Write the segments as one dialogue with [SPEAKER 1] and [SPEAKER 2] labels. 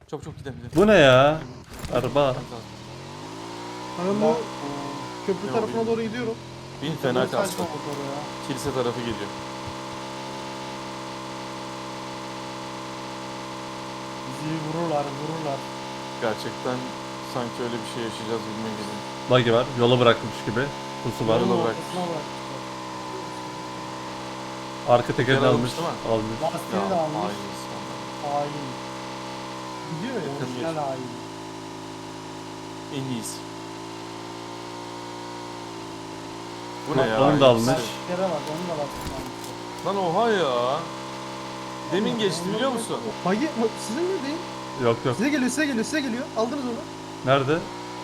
[SPEAKER 1] Çok çok gidelim.
[SPEAKER 2] Bu ne ya? Araba.
[SPEAKER 3] Ben bu köprü
[SPEAKER 1] Ne
[SPEAKER 3] tarafına
[SPEAKER 1] oluyor?
[SPEAKER 3] doğru gidiyorum.
[SPEAKER 1] Bin fena
[SPEAKER 4] Çok
[SPEAKER 1] kastı.
[SPEAKER 4] saçma motor ya.
[SPEAKER 1] Kilise tarafı geliyor.
[SPEAKER 4] Bizi vururlar.
[SPEAKER 1] Gerçekten sanki öyle bir şey yaşayacağız gibime geliyor.
[SPEAKER 2] Buggy var. Yola bırakmış gibi. Pusu var.
[SPEAKER 1] Yola
[SPEAKER 4] Yolun
[SPEAKER 1] bırakmış.
[SPEAKER 4] ortasına bırakmışlar.
[SPEAKER 2] Arka tekerini
[SPEAKER 1] Teker
[SPEAKER 2] almış.
[SPEAKER 1] almış değil mi?
[SPEAKER 2] Almış.
[SPEAKER 4] Lastiğini de almış.
[SPEAKER 1] hain insanlar.
[SPEAKER 4] Hain.
[SPEAKER 3] Gidiyor ya.
[SPEAKER 1] Yakın
[SPEAKER 4] Orijinal
[SPEAKER 1] bir.
[SPEAKER 4] hain.
[SPEAKER 1] En iyisi. Bu ne ya?
[SPEAKER 2] Onu da almış.
[SPEAKER 4] Lastiklere bak, onu da lastiğini almışlar.
[SPEAKER 1] Lan oha ya. Demin geçti biliyor musun?
[SPEAKER 3] Bagi sizin mi değil?
[SPEAKER 2] Yok yok.
[SPEAKER 3] Size geliyor. Aldınız onu.
[SPEAKER 2] Nerede?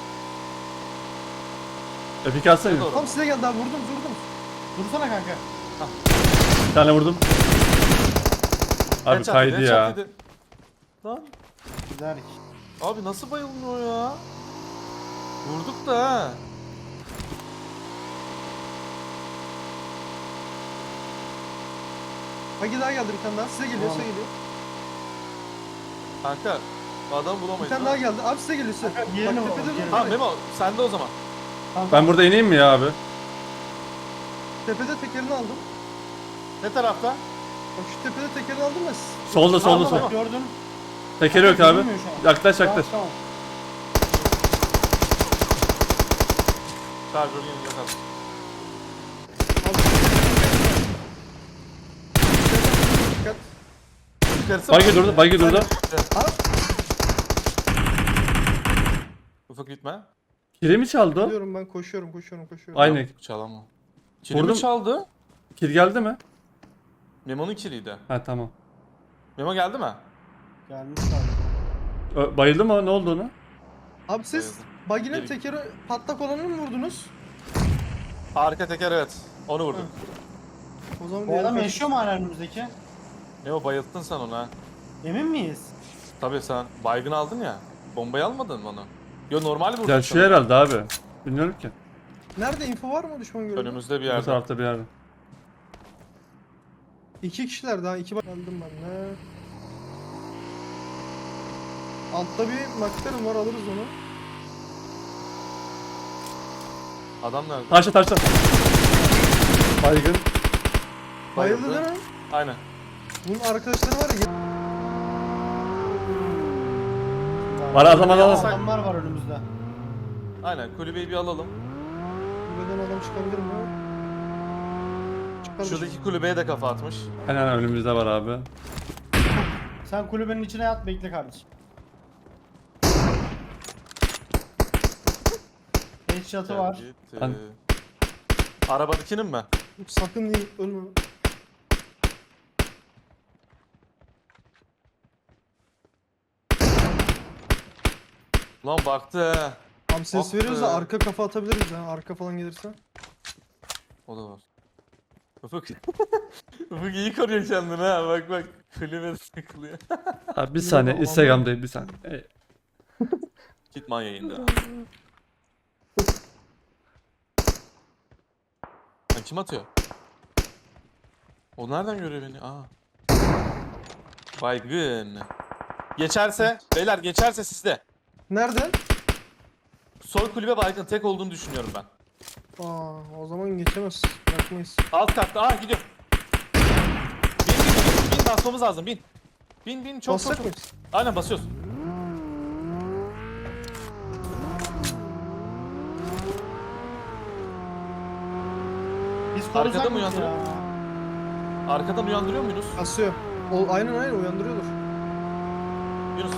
[SPEAKER 2] Epik atsana.
[SPEAKER 1] Doğru.
[SPEAKER 3] Tam size geldi abi vurdum.
[SPEAKER 4] Dursana kanka.
[SPEAKER 2] Bir tane vurdum. Abi
[SPEAKER 1] Headshot
[SPEAKER 2] kaydı
[SPEAKER 1] yedi,
[SPEAKER 2] ya.
[SPEAKER 1] headshot yedi. Lan
[SPEAKER 4] Güzel.
[SPEAKER 1] abi nasıl bayılmıyor ya? Vurduk da ha.
[SPEAKER 3] Bagi daha geldi bir tane daha. Size geliyor,
[SPEAKER 4] Tamam.
[SPEAKER 3] size geliyor.
[SPEAKER 1] Kanka adam
[SPEAKER 3] Bir
[SPEAKER 1] bulamayız.
[SPEAKER 3] tane daha geldi. Abi size geliyor size.
[SPEAKER 4] Kanka, diğerini
[SPEAKER 3] Bak
[SPEAKER 4] vur,
[SPEAKER 3] tepede
[SPEAKER 4] diğerini.
[SPEAKER 3] dur.
[SPEAKER 1] Ha Memo sende o zaman.
[SPEAKER 4] Tamam,
[SPEAKER 2] Ben burada ineyim mi ya abi?
[SPEAKER 3] Tepede tekerini aldım.
[SPEAKER 1] Ne tarafta?
[SPEAKER 3] Bak şu tepede tekerini aldım da siz.
[SPEAKER 2] Solda solda
[SPEAKER 1] Tamam,
[SPEAKER 2] sol.
[SPEAKER 4] gördün.
[SPEAKER 2] Tekeri yok abi.
[SPEAKER 4] Görünmüyor şu an.
[SPEAKER 2] Yaklaş yaklaş.
[SPEAKER 4] Tamam.
[SPEAKER 1] Şarjör yeni yakal.
[SPEAKER 3] Dikkat.
[SPEAKER 1] Yukarısı
[SPEAKER 2] Buggy
[SPEAKER 1] mı?
[SPEAKER 2] durdu. Buggy durdu.
[SPEAKER 3] Abi
[SPEAKER 1] Ufak gitme.
[SPEAKER 2] Kili mi çaldı o?
[SPEAKER 3] gidiyorum ben koşuyorum.
[SPEAKER 2] Aynı.
[SPEAKER 1] Yok, çalamam. Kili mi
[SPEAKER 2] Vurdum.
[SPEAKER 1] çaldı?
[SPEAKER 2] Kil geldi mi?
[SPEAKER 1] Memo'nun kiliydi.
[SPEAKER 2] Ha tamam.
[SPEAKER 1] Memo geldi mi?
[SPEAKER 4] Gelmiş abi.
[SPEAKER 2] Bayıldı mı? Ne oldu ona?
[SPEAKER 3] Abi siz Bagi'nin
[SPEAKER 1] Geri-
[SPEAKER 3] tekeri patlak olanını mı vurdunuz?
[SPEAKER 1] Arka teker evet. Onu vurduk.
[SPEAKER 3] O zaman
[SPEAKER 4] Bu
[SPEAKER 3] diğeri
[SPEAKER 4] adam
[SPEAKER 3] kaç-
[SPEAKER 4] yaşıyor mu hala önümüzdeki?
[SPEAKER 1] Memo bayılttın sen onu ha.
[SPEAKER 4] Emin miyiz?
[SPEAKER 1] Tabii sen baygın aldın ya. Bombayı almadın mı onu? Yo normal vurdun.
[SPEAKER 2] Yaşıyor
[SPEAKER 1] sanırım.
[SPEAKER 2] herhalde abi. Bilmiyorum ki.
[SPEAKER 3] Nerede info var mı düşman görüldü?
[SPEAKER 1] Önümüzde bir
[SPEAKER 2] Bu
[SPEAKER 1] yerde.
[SPEAKER 2] tarafta bir yerde.
[SPEAKER 3] 2 kişiler daha 2 geldim ben de. Altta bir McLaren var alırız onu.
[SPEAKER 1] Adam nerede?
[SPEAKER 2] Taşla taşla. Baygın.
[SPEAKER 3] Bayıldı değil mi?
[SPEAKER 1] Aynen.
[SPEAKER 3] Bunun arkadaşları var ya.
[SPEAKER 2] Var adam adam.
[SPEAKER 4] Adamlar var önümüzde.
[SPEAKER 1] Aynen kulübeyi bir alalım.
[SPEAKER 3] Buradan adam çıkabilir mi? Çıkar.
[SPEAKER 1] Şuradaki kulübeye de kafa atmış.
[SPEAKER 2] Aynen önümüzde var abi.
[SPEAKER 4] Sen kulübenin içine yat, bekle kardeşim. Headshot'ı var.
[SPEAKER 1] Gitti.
[SPEAKER 2] An-
[SPEAKER 1] Arabadakinin mi?
[SPEAKER 3] Sakın değil ölme.
[SPEAKER 1] Lan baktı he.
[SPEAKER 3] Abi ses
[SPEAKER 1] Ah
[SPEAKER 3] veriyoruz
[SPEAKER 1] be.
[SPEAKER 3] da arka kafa atabiliriz ya. Arka falan gelirse.
[SPEAKER 1] O da var. Ufuk. Ufuk iyi koruyor kendini ha. Bak bak. Kulübede takılıyor.
[SPEAKER 2] Abi bir saniye Instagram'dayım bir saniye.
[SPEAKER 1] Gitman yayında. Lan kim atıyor? O nereden görüyor beni? Aa. Baygın. Geçerse, beyler geçerse sizde.
[SPEAKER 3] Nerede?
[SPEAKER 1] Sol kulübe baygın tek olduğunu düşünüyorum ben.
[SPEAKER 3] Aa, o zaman geçemez. Bırakmayız.
[SPEAKER 1] Alt katta. Aa gidiyor. Bin basmamız lazım bin. Bin çok
[SPEAKER 3] Basacak
[SPEAKER 1] çok.
[SPEAKER 3] mıyız?
[SPEAKER 1] Aynen basıyoruz.
[SPEAKER 4] Biz korusak
[SPEAKER 1] Arkada mı
[SPEAKER 4] mıyız
[SPEAKER 1] uyandırıyor?
[SPEAKER 4] ya?
[SPEAKER 1] Arkadan uyandırıyor muyuz?
[SPEAKER 3] Basıyor. O, aynen uyandırıyordur.
[SPEAKER 1] Yunus.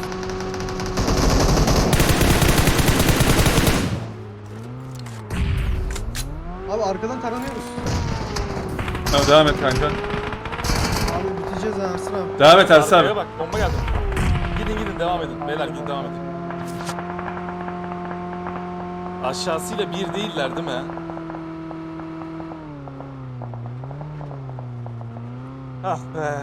[SPEAKER 3] Abi arkadan taranıyoruz.
[SPEAKER 2] Tamam devam et kanka.
[SPEAKER 3] Abi biteceğiz ha Ersin abi.
[SPEAKER 2] Devam et Ersin
[SPEAKER 1] Arkaya
[SPEAKER 2] abi.
[SPEAKER 1] bak bomba geldi. Gidin devam edin. Beyler gidin devam edin. Aşağısıyla bir değiller değil mi? Ah be.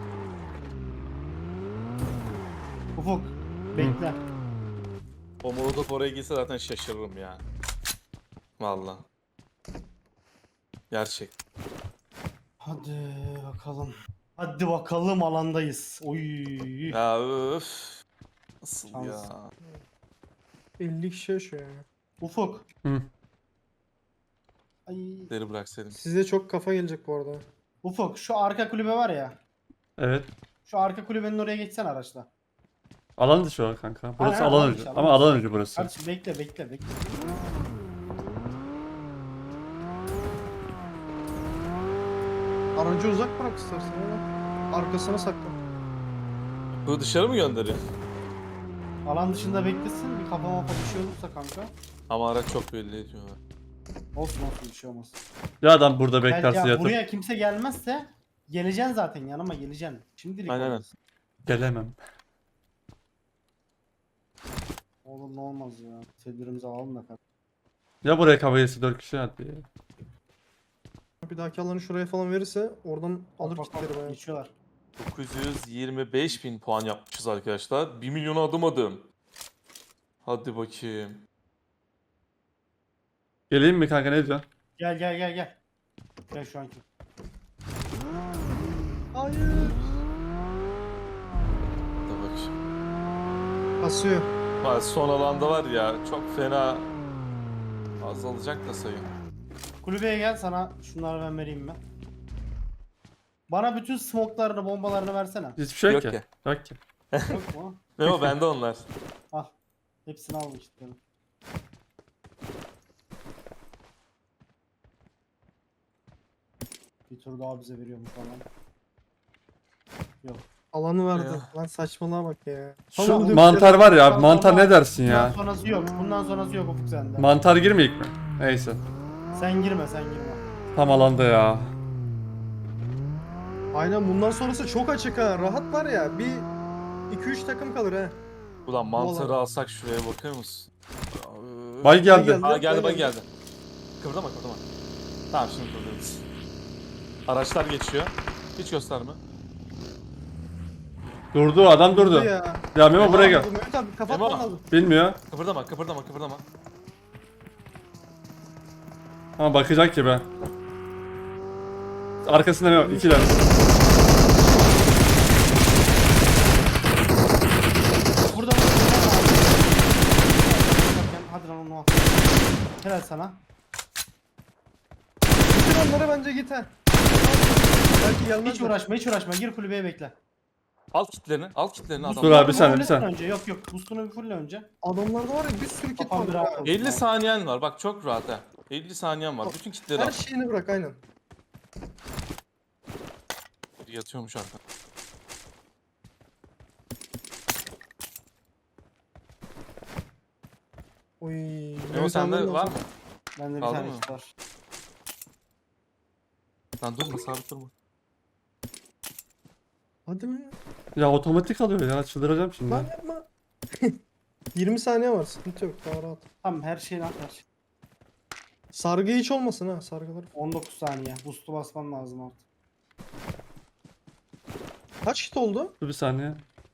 [SPEAKER 4] Ufuk, bekle.
[SPEAKER 1] O molotof oraya girse zaten şaşırırım ya. Vallahi. Gerçek.
[SPEAKER 4] Hadi bakalım. Hadi bakalım, alandayız. Oy.
[SPEAKER 1] Ya öf. Nasıl
[SPEAKER 4] Şans.
[SPEAKER 1] ya?
[SPEAKER 3] 50 kişi yaşıyor ya.
[SPEAKER 4] Ufuk.
[SPEAKER 2] Hı.
[SPEAKER 4] Ay.
[SPEAKER 1] Deri bıraksaydım.
[SPEAKER 3] Size çok kafa gelecek bu arada.
[SPEAKER 4] Ufuk şu arka kulübe var ya.
[SPEAKER 2] Evet.
[SPEAKER 4] Şu arka kulübenin oraya geçsen araçla.
[SPEAKER 2] Alan dışı var kanka. Burası
[SPEAKER 4] Aynen,
[SPEAKER 2] alan
[SPEAKER 4] alan
[SPEAKER 2] dışı.
[SPEAKER 4] dışı,
[SPEAKER 2] Ama
[SPEAKER 4] alan dışı.
[SPEAKER 2] alan dışı burası.
[SPEAKER 4] Kardeşim bekle.
[SPEAKER 3] Aracı uzak bırak istersen ya. Arkasına sakla.
[SPEAKER 1] Bu dışarı mı gönderiyor?
[SPEAKER 4] Alan dışında beklesin. Bir kafa mafa bir şey olursa kanka.
[SPEAKER 1] Ama araç çok belli ediyorlar.
[SPEAKER 4] Olsun bir şey olmaz.
[SPEAKER 2] Ya adam burada
[SPEAKER 4] Gel,
[SPEAKER 2] beklerse
[SPEAKER 4] ya
[SPEAKER 2] yatıp
[SPEAKER 4] buraya kimse gelmezse geleceksin zaten yanıma geleceksin. Şimdilik
[SPEAKER 1] Aynen.
[SPEAKER 4] olmaz.
[SPEAKER 2] gelemem.
[SPEAKER 4] Oğlum ne olmaz ya. Tedbirimizi alalım da kanka.
[SPEAKER 2] Ya buraya kabayesi 4 kişi hadi ya.
[SPEAKER 3] Bir dahaki alanı şuraya falan verirse oradan alır
[SPEAKER 4] Bak,
[SPEAKER 3] kitleri bayağı.
[SPEAKER 4] geçiyorlar.
[SPEAKER 1] 925.000 puan yapmışız arkadaşlar. 1 milyona adım adım. Hadi bakayım.
[SPEAKER 2] Geleyim mi kanka ne diyorsun?
[SPEAKER 4] Gel. Gel şu anki.
[SPEAKER 3] Hayır.
[SPEAKER 1] Hadi bakayım.
[SPEAKER 3] Kasıyor.
[SPEAKER 1] Vay, son alanda var ya çok fena azalacak da sayı.
[SPEAKER 4] Kulübeye gel sana şunları ben vereyim ben. Bana bütün smoke'larını bombalarını versene.
[SPEAKER 2] Hiçbir şey yok
[SPEAKER 1] Yok
[SPEAKER 2] ki. Yok ki.
[SPEAKER 4] Yok mu?
[SPEAKER 1] Ne o bende onlar.
[SPEAKER 4] Al. Hepsini al işte. Bir tur daha bize veriyormuş falan. Yok.
[SPEAKER 3] Alanı verdi.
[SPEAKER 1] Ya.
[SPEAKER 3] Lan saçmalığa bak ya.
[SPEAKER 2] Şu
[SPEAKER 3] Tamam,
[SPEAKER 2] mantar var ya abi,
[SPEAKER 4] Bundan
[SPEAKER 2] mantar
[SPEAKER 4] sonra-
[SPEAKER 2] ne dersin
[SPEAKER 4] Bundan
[SPEAKER 2] ya?
[SPEAKER 4] sonrası yok. Bundan sonrası yok Ufuk sende.
[SPEAKER 2] Mantar girmeyecek mi? Neyse.
[SPEAKER 4] Sen girme.
[SPEAKER 2] Tam alanda ya.
[SPEAKER 3] Aynen bundan sonrası çok açık ha. Rahat var ya. Bir 2-3 takım kalır ha.
[SPEAKER 1] Ulan mantarı
[SPEAKER 3] Vallahi.
[SPEAKER 1] alsak şuraya bakar mısın?
[SPEAKER 2] Bay geldi.
[SPEAKER 1] Aa geldi bay geldi. Kıvırdama. Tamam şimdi kıvırdırız. Araçlar geçiyor. Hiç gösterme.
[SPEAKER 2] Durdu adam durdu.
[SPEAKER 3] Ya.
[SPEAKER 2] Ya Memo buraya gel.
[SPEAKER 3] Bu Mehmet abi kapatman
[SPEAKER 1] Memo.
[SPEAKER 3] lazım.
[SPEAKER 2] Bilmiyor.
[SPEAKER 1] Kıpırdama.
[SPEAKER 2] Ama bakacak ki be. Arkasında Memo. 2 tane.
[SPEAKER 4] Burada mı? Hadi lan onu al. Helal sana.
[SPEAKER 3] Bitir onları bence git ha. Belki gelmez.
[SPEAKER 4] Hiç
[SPEAKER 3] de.
[SPEAKER 4] uğraşma. Gir kulübeye bekle.
[SPEAKER 1] Al kitlerini adam.
[SPEAKER 2] Dur abi, bir saniye,
[SPEAKER 4] Boostunu
[SPEAKER 2] bir saniye.
[SPEAKER 4] önce. Yok. Boostunu bir fulle önce.
[SPEAKER 3] Adamlarda var ya bir sürü kit
[SPEAKER 4] Kafam
[SPEAKER 3] var.
[SPEAKER 4] bir
[SPEAKER 3] ha.
[SPEAKER 4] rahat olsun.
[SPEAKER 1] 50 saniyen var bak çok rahat ha. 50 saniyen var. Bütün kitleri al.
[SPEAKER 3] Her şeyini bırak aynen.
[SPEAKER 1] Yatıyormuş arka.
[SPEAKER 3] Oy.
[SPEAKER 1] Memo
[SPEAKER 3] Mehmet
[SPEAKER 1] sende
[SPEAKER 3] abinin
[SPEAKER 1] var
[SPEAKER 3] olsun.
[SPEAKER 1] mı?
[SPEAKER 4] Bende bir
[SPEAKER 1] Aldın
[SPEAKER 4] tane
[SPEAKER 1] mı?
[SPEAKER 4] işte var.
[SPEAKER 1] Lan durma sabit durma.
[SPEAKER 3] Hadi mi?
[SPEAKER 2] Ya otomatik alıyor ya. Çıldıracağım şimdi.
[SPEAKER 3] Lan yapma. 20 saniye var sıkıntı yok daha rahat.
[SPEAKER 4] Tamam her şeyini at her şey.
[SPEAKER 3] Sargı hiç olmasın ha sargılar.
[SPEAKER 4] 19 saniye. Boost'u basman lazım artık.
[SPEAKER 3] Kaç kit oldu?
[SPEAKER 2] Dur bir saniye.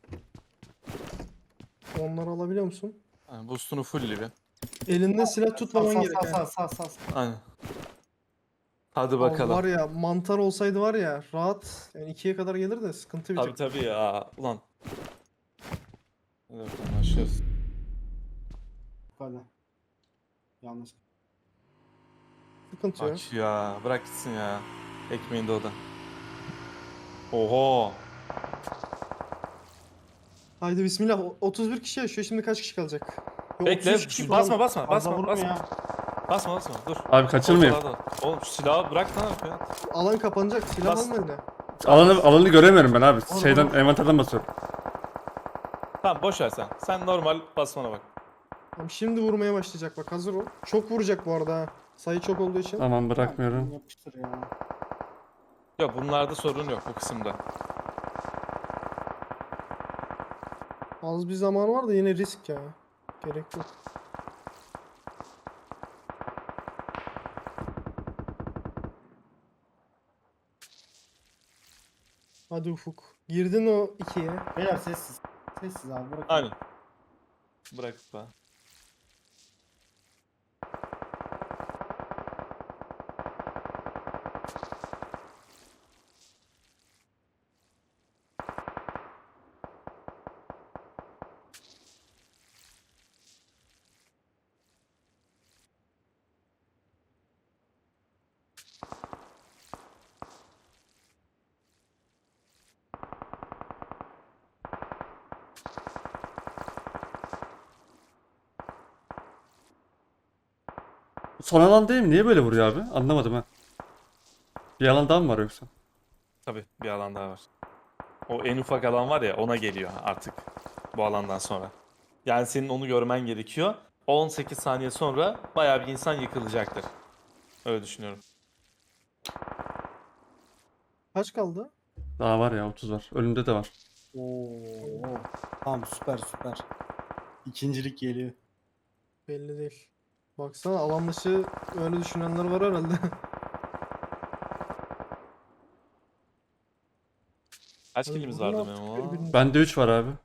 [SPEAKER 3] Onları alabiliyor musun?
[SPEAKER 1] Yani boostunu full bir.
[SPEAKER 3] Elinde silah tutmaman gerek. ha.
[SPEAKER 4] Sağ.
[SPEAKER 1] Aynen. Hadi
[SPEAKER 3] Abi
[SPEAKER 1] bakalım.
[SPEAKER 3] var ya mantar olsaydı var ya rahat yani 2'ye kadar gelir de sıkıntı bir tık.
[SPEAKER 1] Tabii ya. Ulan. Hadi bakalım başlıyoruz.
[SPEAKER 4] Hadi. Yanlış.
[SPEAKER 3] Sıkıntı yok.
[SPEAKER 1] Bak ya. Bırak gitsin ya. Ekmeğinde o da. Oho.
[SPEAKER 3] Haydi bismillah 31 kişi yaşıyor şimdi kaç kişi kalacak? Yo,
[SPEAKER 1] Bekle.
[SPEAKER 3] 33 kişi falan.
[SPEAKER 1] Basma.
[SPEAKER 4] Fazla vurma ya.
[SPEAKER 1] Basma. Dur.
[SPEAKER 2] Abi kaçırmayayım.
[SPEAKER 1] Ortalığa da- Oğlum şu silahı bırak lan ya.
[SPEAKER 3] Alan kapanacak silah
[SPEAKER 1] Bas.
[SPEAKER 3] alma eline.
[SPEAKER 2] Alanı göremiyorum ben abi.
[SPEAKER 3] Oğlum,
[SPEAKER 2] Şeyden
[SPEAKER 3] oğlum.
[SPEAKER 2] envanterden basıyorum.
[SPEAKER 1] Tamam boş ver sen. Sen normal basmana bak.
[SPEAKER 3] Tamam, şimdi vurmaya başlayacak bak hazır ol. Çok vuracak bu arada ha. Sayı çok olduğu için.
[SPEAKER 2] Tamam bırakmıyorum.
[SPEAKER 4] Yapıştır ya.
[SPEAKER 1] Yok bunlarda sorun yok bu kısımda.
[SPEAKER 3] Az bir zaman var da yine risk ya. Gerek yok. Hadi Ufuk. Girdin o 2'ye.
[SPEAKER 4] Beyler sessiz. Sessiz abi bırak.
[SPEAKER 1] Aynen. Bırak be.
[SPEAKER 2] Son alan değil mi? Niye böyle vuruyor abi? Anlamadım ha. Bir alan daha mı var yoksa?
[SPEAKER 1] Tabii bir alan daha var. O en ufak alan var ya ona geliyor artık bu alandan sonra. Yani senin onu görmen gerekiyor. 18 saniye sonra bayağı bir insan yıkılacaktır. Öyle düşünüyorum.
[SPEAKER 3] Kaç kaldı?
[SPEAKER 2] Daha var ya 30 var. Önümde de var.
[SPEAKER 4] Oo. Tamam süper süper. İkincilik geliyor.
[SPEAKER 3] Belli değil. Baksana alan dışı öyle düşünenler var herhalde.
[SPEAKER 1] Kaç
[SPEAKER 3] Abi
[SPEAKER 1] kilimiz
[SPEAKER 3] vurun
[SPEAKER 1] vardı
[SPEAKER 3] artık
[SPEAKER 1] Memo?
[SPEAKER 3] birbirinize.
[SPEAKER 2] Bende 3 var abi.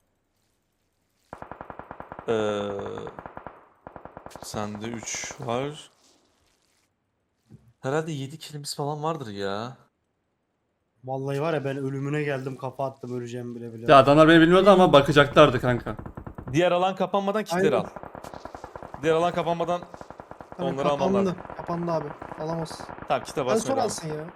[SPEAKER 1] Ee, sende 3 var. Herhalde 7 kilimiz falan vardır ya.
[SPEAKER 4] Vallahi var ya ben ölümüne geldim kafa attım öleceğim bile bile.
[SPEAKER 2] Ya adamlar beni bilmiyordu ama bakacaklardı kanka.
[SPEAKER 1] Diğer alan kapanmadan kitleri
[SPEAKER 3] Aynen.
[SPEAKER 1] al. Diğer alan kapanmadan
[SPEAKER 3] Hani
[SPEAKER 1] onları alman lazım.
[SPEAKER 3] Kapandı abi. Alamaz.
[SPEAKER 1] Tamam kite
[SPEAKER 3] Ben
[SPEAKER 1] basmaya
[SPEAKER 3] sonra
[SPEAKER 1] devam.
[SPEAKER 3] alsın ya.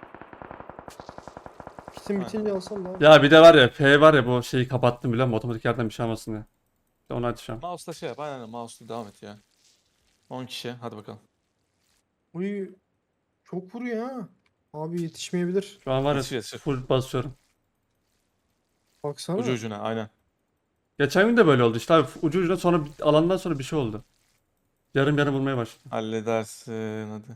[SPEAKER 3] Kitin
[SPEAKER 1] Aynen.
[SPEAKER 3] bitince alsam da abi.
[SPEAKER 2] Ya bir de var ya P var ya bu şeyi kapattım biliyor musun? Otomatik yerden bir şey almasın diye. İşte onu açacağım.
[SPEAKER 1] Mouse'la şey yap. Aynen mouse'la devam et ya. 10 kişi. Hadi bakalım.
[SPEAKER 3] Uy çok vuruyor ha. Abi yetişmeyebilir.
[SPEAKER 2] Şu an var ya
[SPEAKER 1] Yetişir, yetişir.
[SPEAKER 2] full basıyorum.
[SPEAKER 3] Baksana.
[SPEAKER 1] Ucu ucuna aynen.
[SPEAKER 2] Geçen gün de böyle oldu işte abi ucu ucuna sonra alandan sonra bir şey oldu. Yarım yarım vurmaya başladı.
[SPEAKER 1] Halledersin hadi.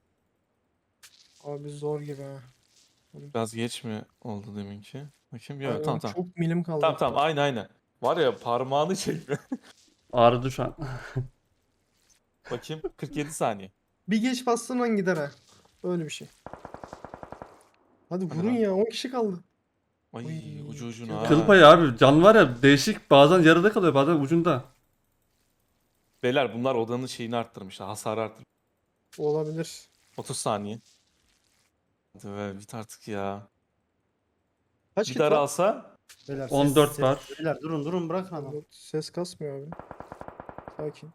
[SPEAKER 3] Abi zor gibi ha.
[SPEAKER 1] Biraz geç mi oldu deminki? Bakayım. Yok
[SPEAKER 3] Aynen,
[SPEAKER 1] tamam tamam.
[SPEAKER 3] çok milim kaldı.
[SPEAKER 1] Tamam tamam aynen aynen. Var ya parmağını çekme.
[SPEAKER 2] Ağrıdı şu an.
[SPEAKER 1] Bakayım 47 saniye.
[SPEAKER 3] Bir geç bastığın an gider ha. Öyle bir şey. Hadi
[SPEAKER 1] Hadi
[SPEAKER 3] vurun
[SPEAKER 1] lan.
[SPEAKER 3] ya 10 kişi kaldı.
[SPEAKER 1] Ay
[SPEAKER 3] Oy,
[SPEAKER 1] ucu ucuna.
[SPEAKER 3] kıl
[SPEAKER 1] ha.
[SPEAKER 2] Kıl payı abi can var ya değişik bazen yarıda kalıyor bazen ucunda.
[SPEAKER 1] Beyler bunlar odanın şeyini arttırmışlar. Hasarı arttırmışlar.
[SPEAKER 3] Olabilir.
[SPEAKER 1] 30 saniye. Hadi be bit artık ya.
[SPEAKER 3] Kaç
[SPEAKER 1] Bir
[SPEAKER 3] kit var?
[SPEAKER 1] daralsa
[SPEAKER 4] Beyler,
[SPEAKER 2] 14 var.
[SPEAKER 4] Beyler durun durun bırakın adam.
[SPEAKER 3] Ses kasmıyor abi. Sakin.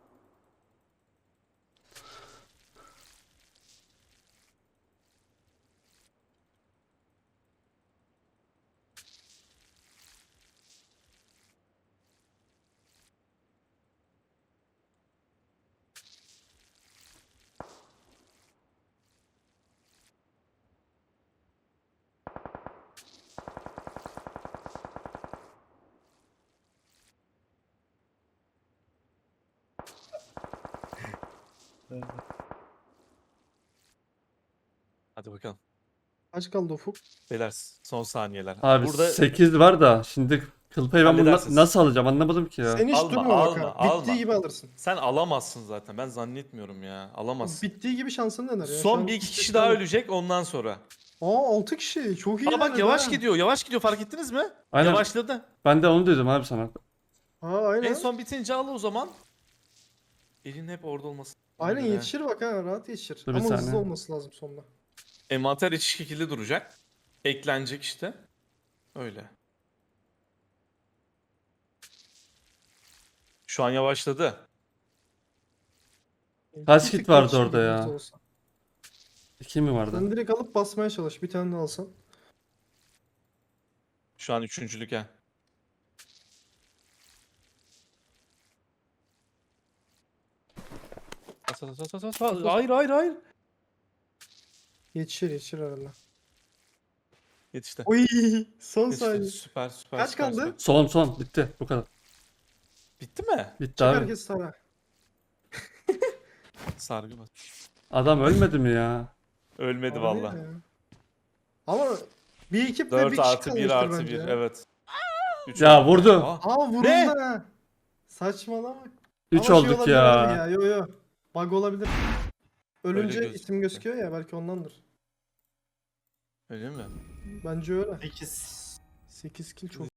[SPEAKER 1] hadi bakalım.
[SPEAKER 3] Kaç kaldı Ufuk?
[SPEAKER 1] Beyler son saniyeler.
[SPEAKER 2] Abi
[SPEAKER 1] Burada
[SPEAKER 2] 8 var da şimdi kıl payı ben bunu
[SPEAKER 1] Halledersiniz.
[SPEAKER 2] nasıl alacağım anlamadım ki ya.
[SPEAKER 3] Sen hiç
[SPEAKER 1] Alma,
[SPEAKER 3] durma bak
[SPEAKER 1] alma,
[SPEAKER 3] ha.
[SPEAKER 1] alma.
[SPEAKER 3] Bittiği gibi alırsın.
[SPEAKER 1] sen alamazsın zaten. Ben zannetmiyorum ya. Alamazsın.
[SPEAKER 3] Bittiği gibi şansın neler ya. Şu
[SPEAKER 1] Son
[SPEAKER 3] an
[SPEAKER 1] bir iki
[SPEAKER 3] hiç
[SPEAKER 1] kişi daha
[SPEAKER 3] yok.
[SPEAKER 1] ölecek ondan sonra.
[SPEAKER 3] Aa 6 kişi. Çok iyi
[SPEAKER 1] Aa bak
[SPEAKER 3] ilerledi
[SPEAKER 1] yavaş
[SPEAKER 3] ha.
[SPEAKER 1] gidiyor. Yavaş gidiyor fark ettiniz mi?
[SPEAKER 2] Aynen.
[SPEAKER 1] Yavaşladı.
[SPEAKER 2] Ben de onu dedim abi sana.
[SPEAKER 3] Aa aynen.
[SPEAKER 1] En son bitince al o zaman. Elin hep orada olması.
[SPEAKER 3] Aynen
[SPEAKER 1] Göre.
[SPEAKER 3] yetişir bak ha. Rahat yetişir.
[SPEAKER 2] Dur bir
[SPEAKER 3] Ama hızlı
[SPEAKER 2] saniye.
[SPEAKER 3] olması lazım sonunda.
[SPEAKER 1] Envanter eşit şekilde duracak. Eklenecek işte. Öyle. Şu an yavaşladı.
[SPEAKER 2] Kaç
[SPEAKER 3] Bir
[SPEAKER 2] kit
[SPEAKER 3] tık
[SPEAKER 2] vardı
[SPEAKER 3] yetişir
[SPEAKER 2] orada
[SPEAKER 3] gibi
[SPEAKER 2] ya?
[SPEAKER 3] hızlı olsa.
[SPEAKER 2] 2 mi vardı?
[SPEAKER 3] Sen direkt alıp basmaya çalış. Bir tane de alsan.
[SPEAKER 1] Şu an üçüncülük ha. Bas. Hayır hayır hayır.
[SPEAKER 3] Yetişir herhalde.
[SPEAKER 1] Yetişti.
[SPEAKER 3] Oy son
[SPEAKER 1] Yetişti.
[SPEAKER 3] saniye.
[SPEAKER 1] Süper süper.
[SPEAKER 3] Kaç
[SPEAKER 1] süper,
[SPEAKER 3] kaldı?
[SPEAKER 1] süper.
[SPEAKER 2] Son bitti bu kadar.
[SPEAKER 1] Bitti mi?
[SPEAKER 2] Bitti
[SPEAKER 3] Çık
[SPEAKER 2] abi.
[SPEAKER 3] herkes tara.
[SPEAKER 1] Sargı bas.
[SPEAKER 2] Adam ölmedi mi ya?
[SPEAKER 1] Ölmedi
[SPEAKER 3] Harbi
[SPEAKER 1] valla.
[SPEAKER 3] ya. Ama bir ekip ve
[SPEAKER 1] 4
[SPEAKER 3] bir kişi
[SPEAKER 1] artı 1
[SPEAKER 3] kalmıştır
[SPEAKER 1] artı
[SPEAKER 3] bence
[SPEAKER 1] 1
[SPEAKER 3] ya.
[SPEAKER 1] evet. Üç
[SPEAKER 2] Ya
[SPEAKER 1] oldu.
[SPEAKER 2] vurdu.
[SPEAKER 1] Aa,
[SPEAKER 3] Aa vuruldu
[SPEAKER 1] Ne?
[SPEAKER 3] ha. Saçmalama.
[SPEAKER 2] 3
[SPEAKER 3] Ama şey
[SPEAKER 2] olduk
[SPEAKER 3] olabilir
[SPEAKER 2] ya.
[SPEAKER 3] abi ya. Yo. Bug olabilir. Ölünce
[SPEAKER 1] gözüküyor.
[SPEAKER 3] isim gözüküyor ya belki ondandır.
[SPEAKER 1] Öyle mi?
[SPEAKER 3] Bence öyle.
[SPEAKER 4] 8.
[SPEAKER 3] 8 kill çok